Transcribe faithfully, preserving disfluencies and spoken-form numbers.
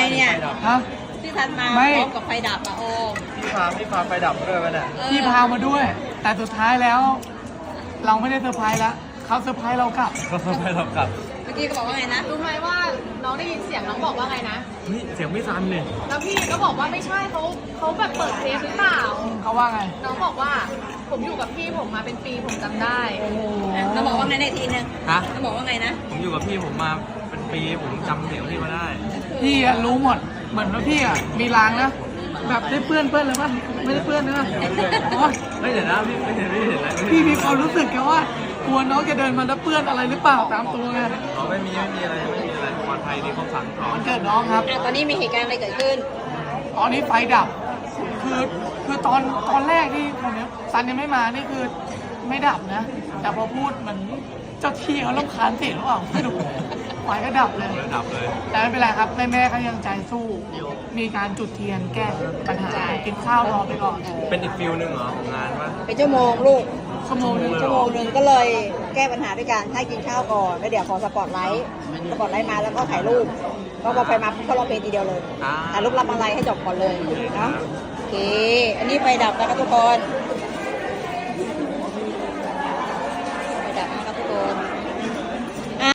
เนี่ยฮะที่ทันมาไม่พร้อมกับไฟดับอะโอ้พี่พาพี่พาไฟดับด้วยมันอ่ะพี่พามาด้วย แต่สุดท้ายแล้ว เราไม่ได้เซอร์ไพรส์แล้วเขาเซอร์ไพรส์เรากลับก็ไฟดับกลับเมื่อกี้ก็บอกว่าไงนะรู้ไหมว่าน้องได้ยินเสียงน้องบอกว่าไงนะนี่เสียงพี่ซันเนี่ยแล้วพี่ก็บอกว่าไม่ใช่เขาเขาแบบเปิดเทปหรือเปล่าเขาว่าไงน้องบอกว่าผมอยู่กับพี่ผมมาเป็นปีผมจำได้เราบอกว่าไงในทีนึงฮะเราบอกว่าไงนะผมอยู่กับพี่ผมมาเป็นปีผมจำเสียงพี่มาได้พี่อะรู้หมด เหมือนว่าพี่อะมีรางนะ แบบได้เปื้อนเปื้อนเลยป่ะไม่ได้เปื้อนนะอ๋อไม่เห็นนะพี่ไม่เห็นไม่เห็นอะไรไม่เห็นพี่มีความรู้สึกแค่ว่ากลัวน้องจะเดินมาแล้วเปื้อนอะไรหรือเปล่าตามตัวไงอ๋อไม่มีไม่มีอะไรไม่มีอะไรปลอดภัยดีครบสั่งสองมันเกิดน้องครับอ่ะตอนนี้มีเหตุการณ์อะไรเกิดขึ้นตอนนี้ไฟดับ คือคือตอนตอนแรกที่คนนี้ซันยังไม่มานี่คือไม่ดับนะ แต่พอพูดเหมือนเจ้าที่เขาลำคาญเสียงหรือเปล่าไม่รู้ไฟก็ดับเลยระดับเลยแต่ไม่เป็นไรครับแม่แม่ๆเขายังใจสู้ มีการจุดเทียนแก้ปัญหากินข้าวรอไปก่อนเป็นอีกฟิลหนึ่งเหรอของงานปะเป็นชั่วโมงลูกชั่วโมงหนึงชั่วโมงหนึ่งก็เลยแก้ปัญหาด้วยการให้กินข้าวก่อนแล้วเดี๋ยวขอสปอตไลท์สปอตไลท์มาแล้วก็ถ่ายรูปก็พอไฟมาปุ๊บก็ร้องเพลงทีเดียวเลยอ่าถ่ายรูปรับอะไรให้จบก่อนเลยเนาะโอเค อันนี้ไฟดับแล้วนะทุกคน